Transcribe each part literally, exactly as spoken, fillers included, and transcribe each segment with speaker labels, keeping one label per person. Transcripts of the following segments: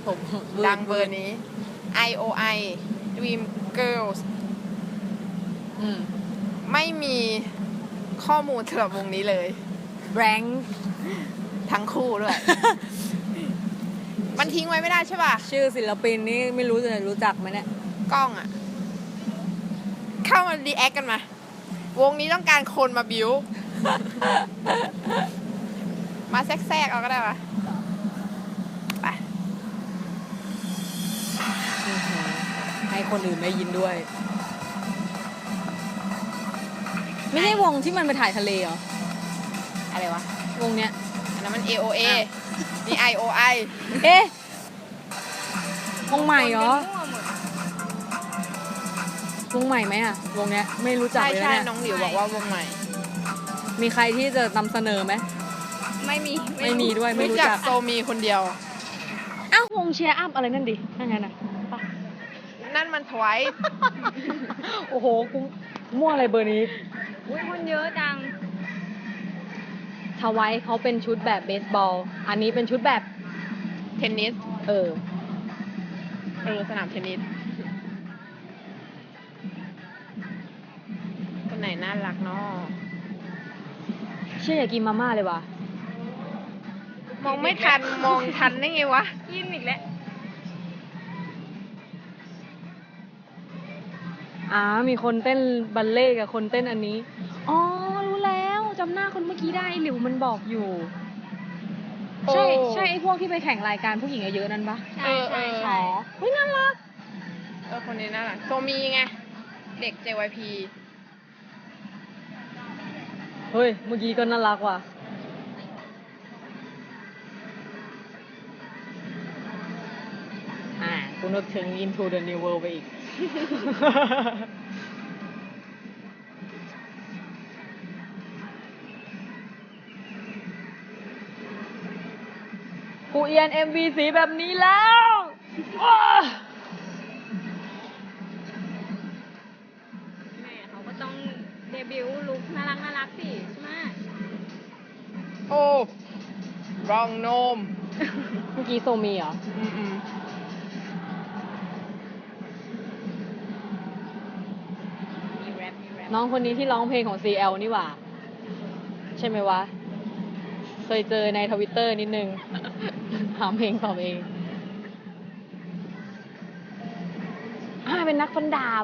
Speaker 1: ผม
Speaker 2: ดังเบอร์นี้ ไอ โอ ไอ Dream Girls
Speaker 1: อืม
Speaker 2: ไม่มีข้อมูลสำหรับวงนี้เลย
Speaker 1: แบงค์
Speaker 2: ทั้งคู่ด้วย มันทิ้งไว้ไม่ได้ใช่ป่ะ
Speaker 1: ชื่อศิลปินนี่ไม่รู้จะรู้จักไหมเนี่ย
Speaker 2: กล้องอ่ะ เข้ามารีแอคกันมา วงนี้ต้องการคนมาบิว มาแทรกๆเอาก็ได้ปะไป
Speaker 1: ให้คนอื่นได้ยินด้วย ไม่ใช่วงที่มันไปถ่ายทะเลเหรอ
Speaker 2: อะไรวะ
Speaker 1: วงเนี้ย
Speaker 2: อันนั้นมัน เอ โอ เอ
Speaker 1: อ้าว
Speaker 2: นี่ ไอ โอ ไอ
Speaker 1: เอ๊ะวงใหม่เหรอ วงใหม่ไหมอะวงเนี้ยไม่รู้จัก
Speaker 2: ใช่
Speaker 1: เลย
Speaker 2: ใช่
Speaker 1: เนี่ย
Speaker 2: น้องหลิวบอกว่าวงใหม่
Speaker 1: มีใครที่จะนำเสนอไหม
Speaker 3: ไม่มี
Speaker 1: ไม่มีด้วยไม่
Speaker 2: รู้
Speaker 1: รู้
Speaker 2: จั
Speaker 1: จั
Speaker 2: ก
Speaker 1: ก
Speaker 2: โซมีคนเดียว
Speaker 1: อ้าววงเชียร์อัพอะไรนั่นดินั่นไงน่ะปะ
Speaker 2: นั่นมันทวาย
Speaker 1: โอ้โหกูมั่วอะไรเบอร์นี้
Speaker 3: อุ้ยคนเยอะจัง
Speaker 1: ทวายเขาเป็นชุดแบบเบสบอล อันนี้เป็นชุดแบบ
Speaker 2: เทนนิส
Speaker 1: เออ
Speaker 2: เออ สนามเทนนิส คนไหนน่ารักเนาะ
Speaker 1: เชื่ออยากกินมาม่าเลยว่ะ
Speaker 2: มองไม่ทัน มองทันได้ไงวะ
Speaker 3: ยินอีกแล้ว
Speaker 1: อ่า มีคนเต้นบัลเล่ต์กับคนเต้นอันนี้ อ๋อ รู้แล้วจำหน้าคนเมื่อกี้ได้ไอ้หลิวมันบอกอยู่
Speaker 2: โอ้
Speaker 1: ใช่ใช่ไอ้พวกที่ไปแข่งรายการผู้หญิงเยอะๆนั่นปะ
Speaker 3: ใช่ใช่ใช่
Speaker 1: อ๋อเฮ้ยน่ารัก
Speaker 2: เออ คนนี้น่ารัก โซมีไง เด็ก เจ วาย พี
Speaker 1: เฮ้ย เมื่อกี้ก็น่ารักว่ะ อ่ากูนึกถึง Into the New World ไปอีก กูเอียน เอ็ม วี สีแบบนี้แล้วอ้า
Speaker 3: แม่เขาก็ต้องเดบิวต์ลุคน่ารักน่ารักสิใช่ไหม
Speaker 2: โอ้รองโนม
Speaker 1: เมื่อกี้โซมีเหรอ
Speaker 2: อืมอืม
Speaker 3: มีแรปมีแรป
Speaker 1: น้องคนนี้ที่ร้องเพลงของ ซี แอล นี่หว่า ใช่ไหมวะ เคยเจอในทวิตเตอร์นิดนึง หาเพลงตอบเองอ่าเป็นนักฟันดาบ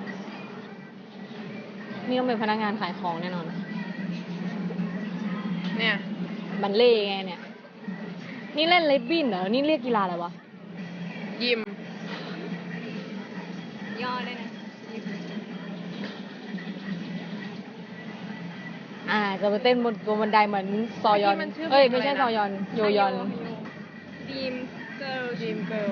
Speaker 1: นี่ต้องเป็นพนักงานขายของแน่นอน
Speaker 2: เนี่ย
Speaker 1: บัลเล่ไงเนี่ย นี่เล่นเลดบินเหรอ นี่เรียกกีฬาอะไรวะ
Speaker 2: ยิม
Speaker 3: ย่อเลยนะ
Speaker 1: อ่า จะไปเต้นบนบนบันไดเหมือนซอยอน
Speaker 2: เมื่อกี้มันชื่อ
Speaker 1: เอ้ย
Speaker 2: เพลง
Speaker 1: ไม่ใช่
Speaker 2: อะไรนะ
Speaker 1: ซอยอน โยยอน
Speaker 3: ดีมเกิร์ล
Speaker 2: ยิมเกิล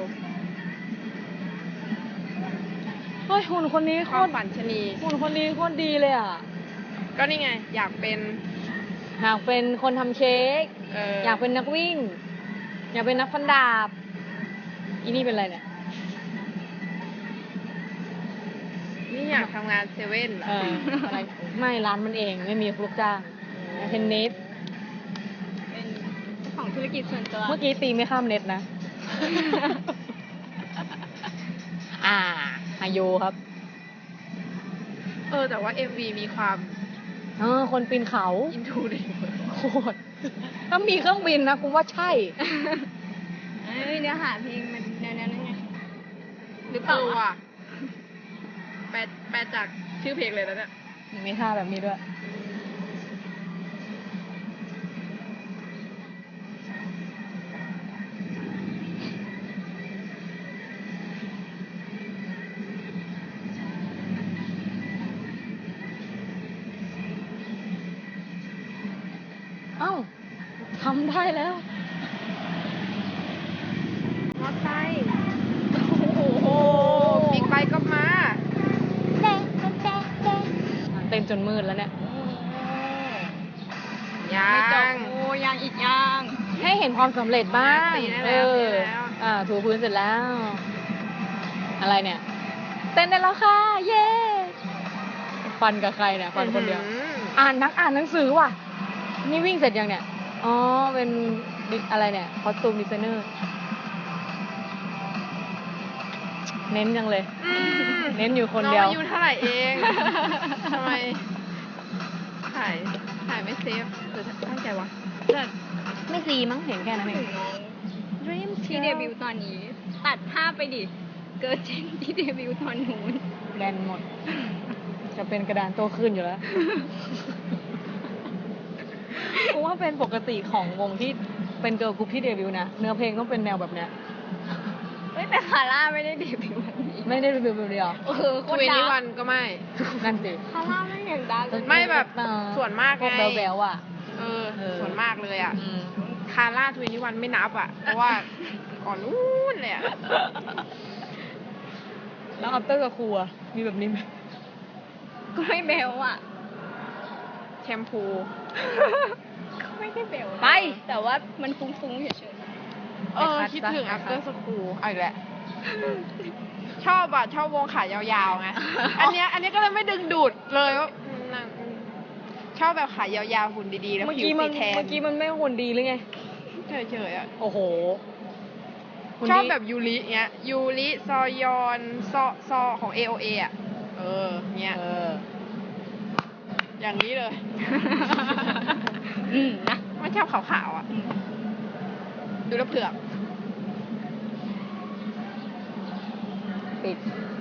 Speaker 1: เฮ้ยหุ่นคนนี้โค
Speaker 2: ความ
Speaker 1: ตร
Speaker 2: ฝันชะนี
Speaker 1: หุ่นคนนี้โคตรดีเลยอ่ะ
Speaker 2: ก็นี่ไง อยากเป็น
Speaker 1: อยากเป็นคนทำเค้ก
Speaker 2: เออ
Speaker 1: อยากเป็นนักวิ่ง อยากเป็นนักฟันดาบ อีนี่เป็นอะไรเนี่ย
Speaker 2: นี่อยากทำงานเซเว่นเหรอ
Speaker 1: เอออะไรไม่ร้านมันเองไม่มีลูกจ้างเทนนิส
Speaker 3: เป็นเจ้าของธุรกิจส่วนตัว
Speaker 1: เมื่อกี้ตีไม่ข้ามเน็ตนะ อ่าฮาโยครับ
Speaker 2: เออ แต่ว่า เอ็ม วี มีความ
Speaker 1: เออคนปีนเขา
Speaker 2: อินทูดิ
Speaker 1: โคตรถ้ามีเครื่องบินนะกูว่าใช่
Speaker 3: เอ้ยเนื้อหาเพลงมันแนวๆนั้นไงหรือเป
Speaker 2: เอ
Speaker 3: ล่า
Speaker 2: อว่ะแปลแปลจากชื่อเพลงเลยแล้วเนี่ย
Speaker 1: มีท่าแบบนี้ด้วย เอ้าทำได้แล้ว
Speaker 2: มอไซค์โอ้โหบิ๊กไบค์ก็มา
Speaker 1: เต็มจนมืดแล้วเนี่ย
Speaker 2: ยั
Speaker 3: ไม่จบ
Speaker 2: ง
Speaker 3: โอ้ยังอีกยัง
Speaker 1: ให้เห็นความสำเร็จบ้าง
Speaker 2: ตีได้
Speaker 1: เอ
Speaker 2: แล้ว
Speaker 1: อ
Speaker 2: ตีได้แล้ว
Speaker 1: อ่า ถูพื้นเสร็จแล้ว อะไรเนี่ย เต้นได้แล้วค่ะ เย้ ฟันกับใครเนี่ย ฟันคนเดียว
Speaker 2: อื้อหือ
Speaker 1: อ่านนักอ่านหนังสือว่ะ นี่วิ่งเสร็จยังเนี่ย อ๋อ เป็นดิอะไรเนี่ย คอสตูมดีไซเนอร์เน้นจังเลย
Speaker 2: อืม
Speaker 1: เน้นอยู่คนเดียว
Speaker 2: น้องอายุเท่าไหร่เองทำไมถ่ายถ่ายไม่เซฟหรือตั้งใจวะ
Speaker 1: แต่ไม่ซีมั้งเห็นแค่นั้นเอง
Speaker 3: Dream ที่เดบิวต์ตอนนี้ ตัดภาพไปดิ เกิร์ลเจนที่เดบิวต์ตอนนู้น
Speaker 1: แบนหมด จะเป็นกระดานโตขึ้นอยู่แล้วเพราะว่าเป็นปกติของวงที่เป็นเกิร์ลกรุ๊ปที่เดบิวต์นะ เนื้อเพลงต้องเป็นแนวแบบเนี้ย
Speaker 3: เฮ้ยแต่คาร่าไม่ได้เดบิวต์แบบนี้
Speaker 1: ไม่ได้เดบิวต์แบบเดียว
Speaker 3: เออโค
Speaker 2: ท
Speaker 3: ต
Speaker 2: เว
Speaker 3: รดั
Speaker 2: นี้
Speaker 3: ง
Speaker 2: วันก็ไม่
Speaker 1: นั่นสิ
Speaker 3: คาร่าไม่อย่างดัง
Speaker 2: ไม่แบบส่วนมากไง
Speaker 1: พวกแบลๆอ่ะ
Speaker 2: เออ
Speaker 1: เออ
Speaker 2: ส่วนมากเลยอ่ะ
Speaker 1: อืม
Speaker 2: คาร่าทเวนี้วันไม่นับอ่ะ เพราะว่าก่อนนู้นเลยอ่ะ
Speaker 1: แล้วอัปเตอร์กับครูอะมีแบบนี้ไหม
Speaker 3: ก็ไม่เบลอ่ะ
Speaker 2: แชมพู
Speaker 3: ก็ไม่ได้เบล
Speaker 1: ไป
Speaker 3: แต่ว่ามันฟุ้งๆเฉย
Speaker 2: เออ คิดถึง after school เอาอีกแล้วชอบอ่ะ ชอบวงขายาวๆไง อันเนี้ยอันเนี้ยก็เลยไม่ดึงดูดเลยว่าอืมนั่งอืมชอบแบบขายาวๆหุ่นดีๆ แล้ว
Speaker 1: เมื่อ
Speaker 2: ผิว
Speaker 1: กี้มั
Speaker 2: สี
Speaker 1: น
Speaker 2: แทน
Speaker 1: เมื่อกี้มันไม่หุ่นดีหรือไง
Speaker 2: เฉยๆอ่ะ
Speaker 1: โอ้โหหุ่น
Speaker 2: ชอบ
Speaker 1: ดี
Speaker 2: แบบยูริเงี้ย ยูริซอยอนซอซอของ เอ โอ เอ อ่ะ เออ เงี้ย
Speaker 1: เออ
Speaker 2: อย่างนี้เลย
Speaker 3: ๆอืมนะ
Speaker 2: ไม่ชอบขาวๆอ่ะ ดูแลวเผือก
Speaker 1: ปิด